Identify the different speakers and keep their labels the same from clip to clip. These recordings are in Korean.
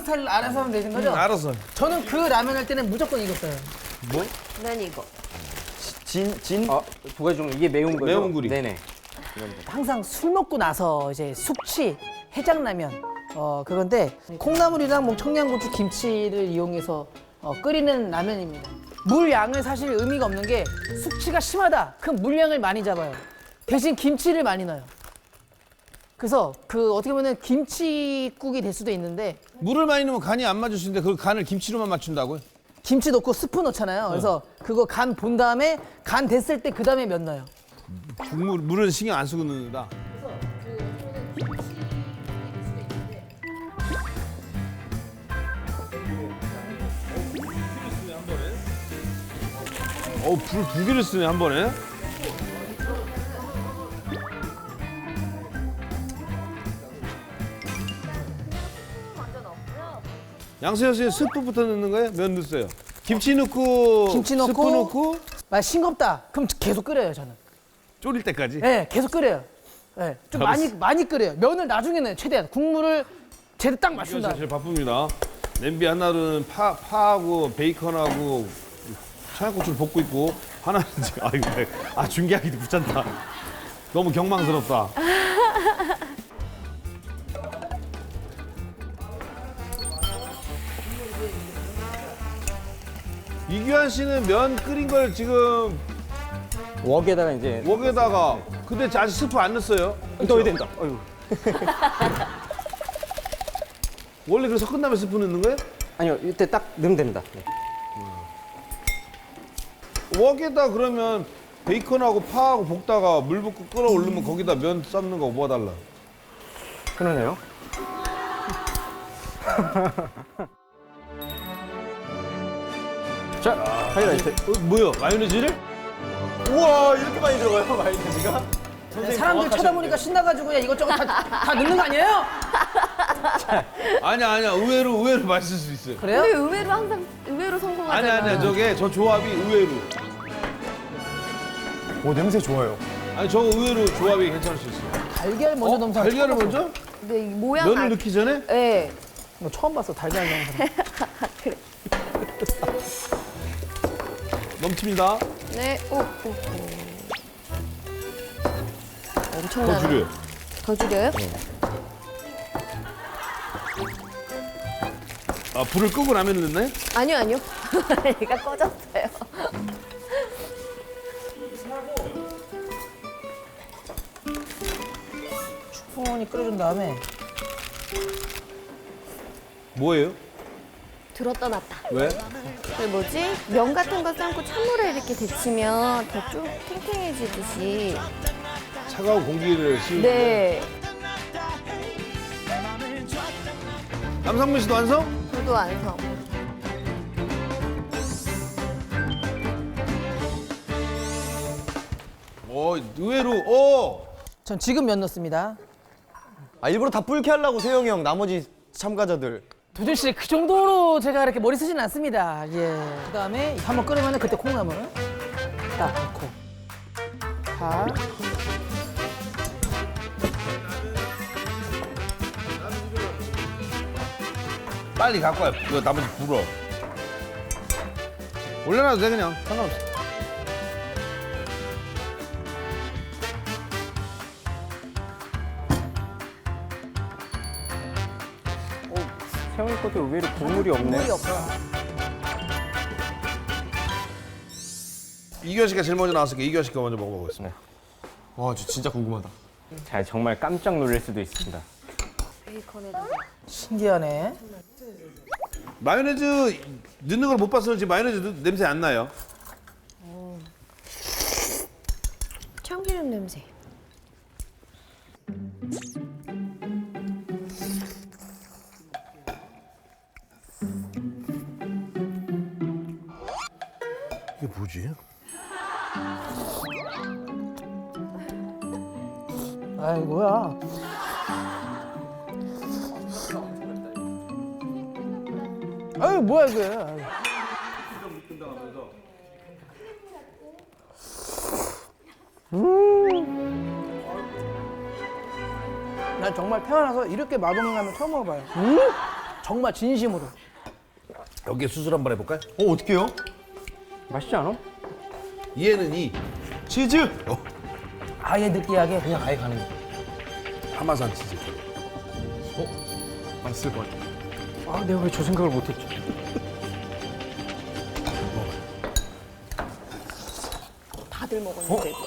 Speaker 1: 스타일 알아서 하면 되는 거죠?
Speaker 2: 알았어.
Speaker 1: 저는 그 라면 할 때는 무조건 이겼어요.
Speaker 2: 뭐?
Speaker 3: 난 이거.
Speaker 4: 진?
Speaker 5: 두 가지 중 이게 매운 거죠?
Speaker 2: 매운 구리.
Speaker 5: 네네.
Speaker 1: 항상 술 먹고 나서 이제 숙취, 해장라면 그건데 콩나물이랑 뭐 청양고추, 김치를 이용해서 끓이는 라면입니다. 물 양은 사실 의미가 없는 게 숙취가 심하다. 그럼 물량을 많이 잡아요. 대신 김치를 많이 넣어요. 그래서 그 어떻게 보면 김치국이 될 수도 있는데
Speaker 2: 물을 많이 넣으면 간이 안 맞을 수 있는데 그 간을 김치로만 맞춘다고요?
Speaker 1: 김치 넣고 스프 넣잖아요. 그래서 그거 간 본 다음에 간 됐을 때 그 다음에 면 넣어요.
Speaker 2: 물은 신경 안 쓰고 넣는다. 불 두 개를 쓰네 한 번에. 양세형 씨 스프부터 넣는 거예요? 면 넣었어요. 김치 넣고
Speaker 1: 김치 넣고
Speaker 2: 스프 넣고
Speaker 1: 싱겁다. 그럼 계속 끓여요 저는.
Speaker 2: 졸일 때까지.
Speaker 1: 네, 계속 끓여요. 네, 좀 많이 끓여요. 면을 나중에 넣어요. 최대한 국물을 제대로 딱 맞춘
Speaker 2: 이거
Speaker 1: 다음에.
Speaker 2: 제일 바쁩니다. 냄비 하나는 파하고 베이컨하고 청양고추를 볶고 있고 하나는 중계하기도 귀찮다. 너무 경망스럽다. 이규환 씨는 면 끓인 걸 지금
Speaker 5: 웍에다가 이제
Speaker 2: 웍에다가 근데 아직 스프 안 넣었어요.
Speaker 5: 넣어야 된다. 어휴.
Speaker 2: 원래 그래서 끝나면 스프 넣는 거예요?
Speaker 5: 아니요, 이때 딱 넣으면 됩니다. 네.
Speaker 2: 웍에다 그러면 베이컨하고 파하고 볶다가 물 붓고 끓어올리면 거기다 면 삶는 거 뭐가 달라?
Speaker 5: 그러네요. 자, 하이라이트.
Speaker 2: 뭐야? 마요네즈를?
Speaker 4: 우와, 이렇게 많이 들어가요, 마요네즈가?
Speaker 1: 사람들 쳐다보니까 신나가지고 그냥 이것저것 다 넣는 거 아니에요?
Speaker 2: 아니야 의외로 맛있을 수 있어요.
Speaker 1: 그래요?
Speaker 3: 근데 의외로 항상 의외로 성공하잖아.
Speaker 2: 아니야 저 조합이 의외로.
Speaker 4: 오, 냄새 좋아요.
Speaker 2: 아니 저 의외로 조합이 괜찮을 수 있어요.
Speaker 1: 달걀 먼저 넣으면
Speaker 2: 달걀을 먼저?
Speaker 3: 근데 이 모양
Speaker 2: 면을 넣기 전에?
Speaker 3: 네.
Speaker 1: 뭐 처음 봤어 달걀 넣는 사람.
Speaker 3: 그래.
Speaker 2: 넘칩니다.
Speaker 3: 네. 오.
Speaker 2: 더
Speaker 3: 엄청나네.
Speaker 2: 줄여요.
Speaker 3: 더 줄여요?
Speaker 2: 불을 끄고 라면 넣나요?
Speaker 3: 아니요. 얘가 꺼졌어요.
Speaker 1: 충분히 끓여준 다음에
Speaker 2: 뭐예요?
Speaker 3: 들었다 놨다.
Speaker 2: 왜?
Speaker 3: 그 뭐지? 면 같은 거 삶고 찬물에 이렇게 데치면 더 쭉 탱탱해지듯이.
Speaker 2: 차가운 공기를 씌우는
Speaker 3: 네.
Speaker 2: 남상민 씨도 완성?
Speaker 3: 저도 완성.
Speaker 2: 의외로
Speaker 1: 전 지금 면 넣습니다.
Speaker 4: 아, 일부러 다 불게 하려고 세영이 형, 나머지 참가자들.
Speaker 1: 두준 씨 그 정도로 제가 이렇게 머리 쓰진 않습니다. 예. 그다음에 한번 끓으면 그때 콩나물 딱 넣고 파.
Speaker 2: 빨리 갖고 와요. 이거 나머지 불어. 올려놔도 돼 그냥 상관없어.
Speaker 5: 세영이 것도 의외로 국물이 없네.
Speaker 1: 물이 없어.
Speaker 2: 이규환 씨가 제일 먼저 나왔으니까 이규환 씨가 먼저 먹어보겠습니다.
Speaker 4: 와, 저 진짜 궁금하다.
Speaker 5: 자, 정말 깜짝 놀랄 수도 있습니다.
Speaker 3: 베이컨에다가.
Speaker 1: 신기하네.
Speaker 2: 마요네즈 넣는 걸 못 봐서 그런지 마요네즈 냄새 안 나요.
Speaker 3: 참기름 냄새.
Speaker 2: 이게 뭐지?
Speaker 1: 아이 뭐야. 아유 뭐야 이게. 난 정말 태어나서 이렇게 맛없는 라면 처음 먹어봐요. 정말 진심으로.
Speaker 2: 여기에 수술 한번 해볼까요?
Speaker 4: 어떡해요?
Speaker 5: 맛있지 않아?
Speaker 2: 얘는 이
Speaker 4: 치즈!
Speaker 1: 아예 느끼하게.
Speaker 4: 그냥 아예 가는 거.
Speaker 2: 하마산 치즈.
Speaker 4: 맛있을 것 같아.
Speaker 5: 아, 내가 왜 저 생각을 못했지?
Speaker 3: 다들 먹었는데도.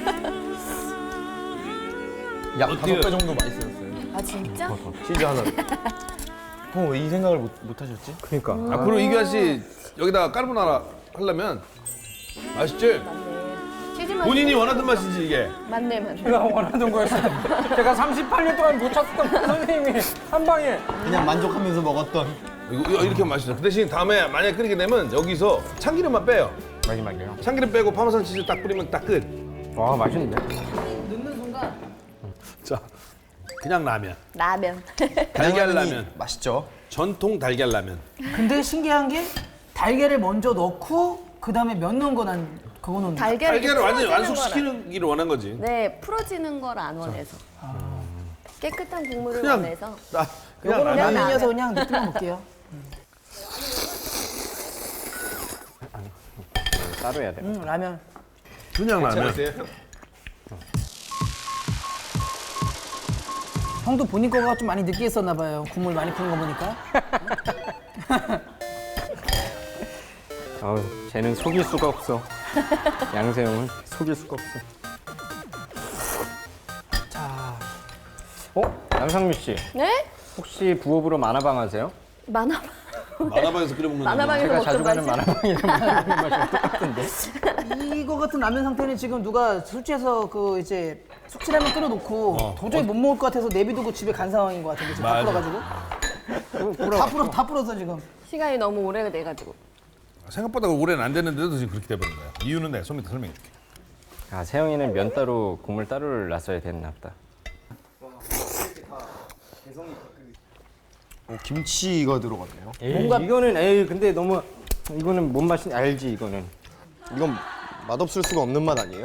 Speaker 4: 약
Speaker 2: 어때요?
Speaker 4: 5배 정도 맛있어졌어요.
Speaker 3: 아 진짜?
Speaker 4: 치즈 하나. 왜 이 생각을 못 하셨지?
Speaker 5: 그러니까.
Speaker 2: 앞으로 이규환 씨 여기다가 까르보나라 하려면 맛있지?
Speaker 3: 치즈 맛.
Speaker 2: 본인이 원하던 맛이지 이게.
Speaker 3: 맞네.
Speaker 5: 제가 원하던 거였어요. 제가 38년 동안 못 찾던 선생님이 한 방에.
Speaker 4: 그냥 만족하면서 먹었던.
Speaker 2: 이거 이렇게 맛있어. 그 대신 다음에 만약에 끓이게 되면 여기서 참기름만 빼요.
Speaker 5: 마지막이에요.
Speaker 2: 참기름 빼고 파마산 치즈 딱 뿌리면 딱 끝.
Speaker 5: 와, 맛있는데?
Speaker 1: 넣는 순간
Speaker 2: 자, 그냥 라면.
Speaker 3: 라면.
Speaker 2: 달걀 라면.
Speaker 4: 맛있죠?
Speaker 2: 전통 달걀 라면.
Speaker 1: 근데 신기한 게 달걀을 먼저 넣고 그다음에 면 넣은 거난 그거는
Speaker 2: 달걀을 완전히
Speaker 3: 풀어지는
Speaker 2: 완숙시키기를 원한 거지.
Speaker 3: 거라. 네, 풀어지는 걸 안 원해서. 깨끗한 국물을
Speaker 2: 그냥
Speaker 3: 원해서.
Speaker 2: 그냥
Speaker 1: 요거는
Speaker 2: 라면.
Speaker 1: 라면이어서 그냥 느낌만 볼게요.
Speaker 5: 따로 해야 돼.
Speaker 1: 라면.
Speaker 2: 그냥 라면.
Speaker 1: 형도 본인 거가 좀 많이 느끼했었나 봐요. 국물 많이 푸는 거 보니까.
Speaker 5: 아우, 쟤는 속일 수가 없어. 양세형은 속일 수가 없어.
Speaker 1: 자,
Speaker 5: 양상미 씨,
Speaker 3: 네?
Speaker 5: 혹시 부업으로 만화방 하세요?
Speaker 3: 만화.
Speaker 2: 만화방에서 끓여 먹는
Speaker 3: 만화방에서
Speaker 5: 제가 자주
Speaker 3: 먹던
Speaker 5: 가는
Speaker 3: 맛이.
Speaker 5: 만화방이랑 먹는 맛이 똑같은데.
Speaker 1: 이거 같은 라면 상태는 지금 누가 술취해서 그 이제 숙취라면 끓여놓고 도저히 못 먹을 것 같아서 내비두고 집에 간 상황인 것 같은데 지금 다
Speaker 2: 맞아.
Speaker 1: 풀어가지고 다 풀어서 지금.
Speaker 3: 시간이 너무 오래 돼가지고.
Speaker 2: 생각보다 오래는 안 됐는데도 지금 그렇게 돼버린 거야. 이유는 내가 좀 이따 설명해 줄게.
Speaker 5: 아, 세영이는 면 따로 국물 따로를 놨어야 됐나 보다.
Speaker 4: 김치가 들어갔네요.
Speaker 5: 뭔가 이거는 근데 너무 이거는 뭔 맛인지 알지 이거는.
Speaker 4: 이건 맛없을 수가 없는 맛 아니에요?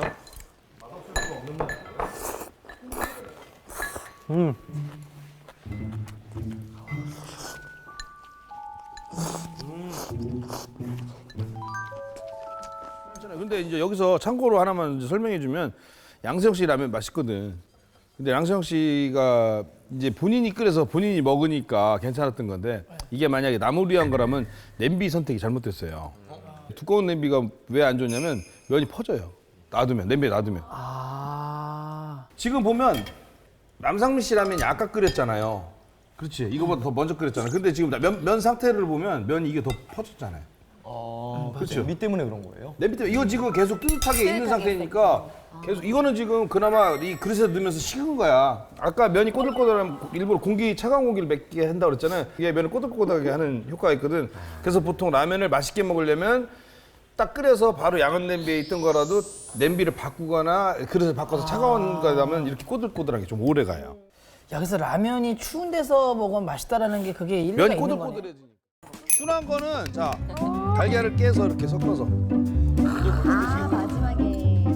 Speaker 2: 근데 이제 여기서 참고로 하나만 이제 설명해 주면 양세형 씨 라면 맛있거든. 근데 양세형 씨가 이제 본인이 끓여서 본인이 먹으니까 괜찮았던 건데 이게 만약에 나물이 한 거라면 냄비 선택이 잘못됐어요. 두꺼운 냄비가 왜 안 좋냐면 면이 퍼져요. 놔두면 냄비에 놔두면.
Speaker 1: 아,
Speaker 2: 지금 보면 남상미 씨 라면이 아까 끓였잖아요. 그렇지. 이거보다 더 먼저 끓였잖아. 근데 지금 면 상태를 보면 면이 이게 더 퍼졌잖아요. 그렇죠.
Speaker 4: 냄비 때문에 그런 거예요?
Speaker 2: 냄비 때문에 이거 지금 계속 뜨뜻하게 있는 상태니까 계속 이거는 지금 그나마 이 그릇에 넣으면서 식은 거야. 아까 면이 꼬들꼬들하면 일부러 차가운 공기를 맺게 한다고 그랬잖아요. 이게 면을 꼬들꼬들하게 하는 효과가 있거든. 그래서 보통 라면을 맛있게 먹으려면 딱 끓여서 바로 양은 냄비에 있던 거라도 냄비를 바꾸거나 그릇을 바꿔서 차가운 거라면 이렇게 꼬들꼬들하게 좀 오래 가요.
Speaker 1: 야, 그래서 라면이 추운 데서 먹으면 맛있다라는 게 그게 일리가
Speaker 2: 면이
Speaker 1: 있는 거네.
Speaker 2: 꼬들꼬들해지니까. 순한 거는 자 달걀을 깨서 이렇게 섞어서
Speaker 3: 아, 마지막에.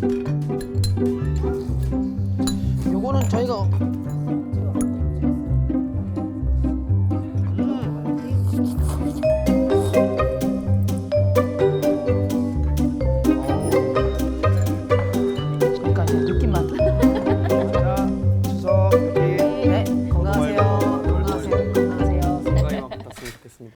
Speaker 1: 요거는 저희가